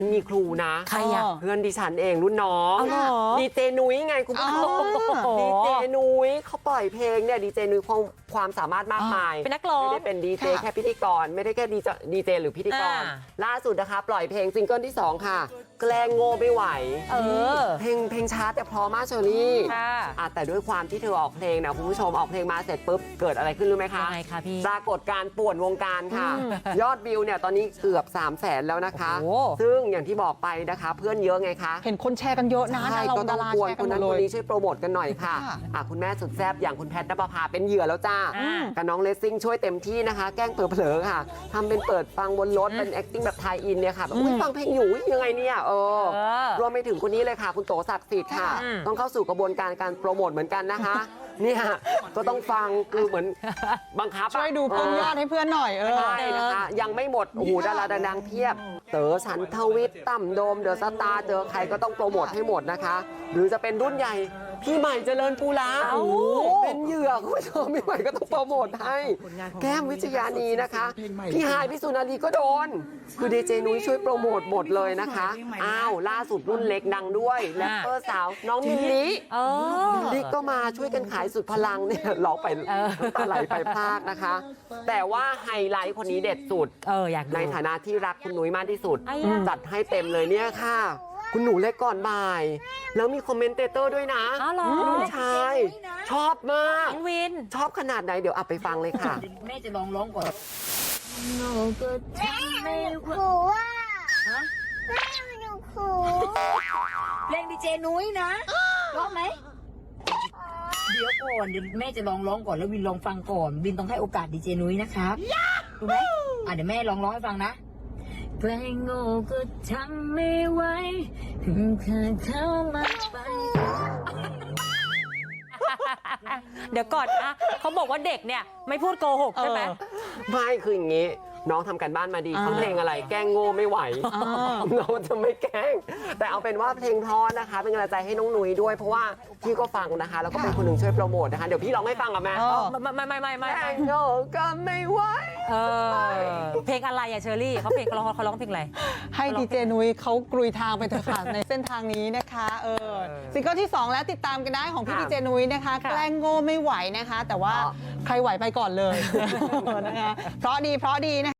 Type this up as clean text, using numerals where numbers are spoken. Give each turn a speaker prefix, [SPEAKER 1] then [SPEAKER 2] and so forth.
[SPEAKER 1] มีครูนะ
[SPEAKER 2] ใครอ่ะ
[SPEAKER 1] เพื่อนดิฉันเองรุ่นน้อง
[SPEAKER 2] เอาเหรอ
[SPEAKER 1] ดีเจนุ้ยไงคุณผู้ชมดีเจนุ้ยเขาปล่อยเพลงเนี่ยดีเจนุ้ยความสามารถมากมาย
[SPEAKER 2] เป็นนักร้อง
[SPEAKER 1] ไม่ได้เป็นดีเจแค่พิธีกรไม่ได้แค่ดีเจหรือพิธีกร ล่าสุดนะคะปล่อยเพลงซิงเกิลที่ 2 ค่ะ แกล้งโง่ไม่ไหว เพลงช้าแต่เพราะมากเชอรี่ แต่ด้วยความที่เธอออกเพลงนะคุณผู้ชมออกเพลงมาเสร็จปุ๊บเกิดอะไรขึ้นรู้ไหมคะ
[SPEAKER 2] ยังไงคะพี่
[SPEAKER 1] ปรากฏการณ์ป่วนวงการค่ะ ยอดวิวเนี่ยตอนนี้เกือบ 300,000 แล้วนะคะ
[SPEAKER 2] โอ้
[SPEAKER 1] ซึ่งอย่างที่บอกไปนะคะ เพื่อนเยอะไงคะ
[SPEAKER 3] เห็นคนแชร์กันเยอะนะ
[SPEAKER 1] ใช่ก็ต้อง
[SPEAKER 3] ดาราก
[SPEAKER 1] วน
[SPEAKER 3] แชร์
[SPEAKER 1] ค
[SPEAKER 3] กัน
[SPEAKER 1] น
[SPEAKER 3] หม
[SPEAKER 1] นั้
[SPEAKER 3] ด
[SPEAKER 1] น
[SPEAKER 3] เล
[SPEAKER 1] คน
[SPEAKER 3] ย
[SPEAKER 1] นี้ช่วยโปรโมทกันหน่อยค่ะ คุณแม่สุดแซ่บอย่างคุณแพทย์ณปภาเป็นเหยื่อแล้วจ้า กับน้องเลสซิ่งช่วยเต็มที่นะคะ แกล้งเผลอๆค่ะทำเป็นเปิดฟังบนรถเป็น acting แบบไทยอินเนี่ยค่ะแบบฟังเพลงอยู่ยังไงเนี่ยรวมไปถึงคนนี้เลยค่ะ คุณโตศักดิ์สิทธิ์ค่ะ ต้องเข้าสู่กระบวนการการโปรโมทเหมือนกันนะคะเนี่ยก็ต้องฟังคือเหมือนบังคับ
[SPEAKER 3] ช่วยดูเพิ่มยอดให้เพื่อนหน่อย
[SPEAKER 1] ใช่นะคะยังไม่หมดโอ้โหดาราดังๆเพียบเต๋อฉันทวิทย์ตั้มโดมเดอะสตาร์เจอใครก็ต้องโปรโมทให้หมดนะคะ หรือจะเป็นรุ่นใหญ่พี่ใหม่เจริญปูลาเป็นเหยื่อคุณผู้ชมพี่ใหม่ก็ต้องโปรโมทให้แก้มวิชญานีนะคะพี่ฮายพี่สุนารีก็โดนคือดีเจนุ้ยช่วยโปรโมทหมดเลยนะคะอ้าวล่าสุดรุ่นเล็กดังด้วยแรปเปอร์สาวน้องมิลลิมิลลิก็มาช่วยกันขายสุดพลังเนี่ยร้องไปตาไหลไปพลากนะคะ แต่ว่าไฮไลท์คนนี้เด็ดสุด
[SPEAKER 2] อยากดู
[SPEAKER 1] ในฐานะที่รักคุณนุ้ยมากที่สุด
[SPEAKER 2] ไอ้อะ
[SPEAKER 1] จัดให้เต็มเลยเนี่ยค่ะ คุณหนูเล็กก่อนบ่าย แล้วมีคอมเมนเตเตอร์ด้วยนะ
[SPEAKER 2] อ๋อเหรอ
[SPEAKER 1] ลูกชายชอบมาก
[SPEAKER 2] น้องวิน
[SPEAKER 1] ชอบขนาดไหนเดี๋ยวอับไปฟังเลยค่ะ
[SPEAKER 4] แม่จะลองร้องก่อนโนก็ทำไม่
[SPEAKER 5] ขู่ว่า
[SPEAKER 4] ฮะ
[SPEAKER 5] แม่หนูขู่
[SPEAKER 4] เพลงดีเจนุ้ยนะร้องไหมเดี๋ยวก่อนเดี๋ยวแม่จะลองร้องก่อนแล้ววินลองฟังก่อนวินต้องให้โอกาสดีเจนุ้ยนะครับรู้ไหมเดี๋ยวแม่ลองร้องให้ฟังนะเพลงโง่ก็ทำไม่ไหวถึงเคยเข้ามาไป
[SPEAKER 2] เดี๋ยวก่อนนะเขาบอกว่าเด็กเนี่ยไม่พูดโกหกใช่ไหม
[SPEAKER 1] ไม่คืออย่างนี้ น้องทำกันบ้านมาดีเขาเพลงอะไรแกล้งโง่ไม่ไหวน้องจะไม่แกล้ง แต่เอาเป็นว่าเพลงเพราะนะคะ เป็นกำลังใจให้น้องนุ้ยด้วยเพราะว่าพี่ก็ฟังนะคะ แล้วก็เป็นคนหนึ่งช่วยโปรโมทนะคะเดี๋ยวพี่ร้องให้ฟังกับแม่
[SPEAKER 2] ไม่
[SPEAKER 1] แกล้งโง่ก็ไม่ไหว
[SPEAKER 2] เพลงอะไรอะเชอรี่เขาร้องเพลงอะไร
[SPEAKER 3] ให้ดีเจนุ้ยเขากรุยทางไปเถอะค่ะ ในเส้นทางนี้นะคะซิงเกิลที่ 2 แล้วติดตามกันได้ของพี่ดีเจนุ้ยนะคะ แกล้งโง่ไม่ไหวนะคะ แต่ว่าใครไหวไปก่อนเลยนะคะเพราะดีนะคะ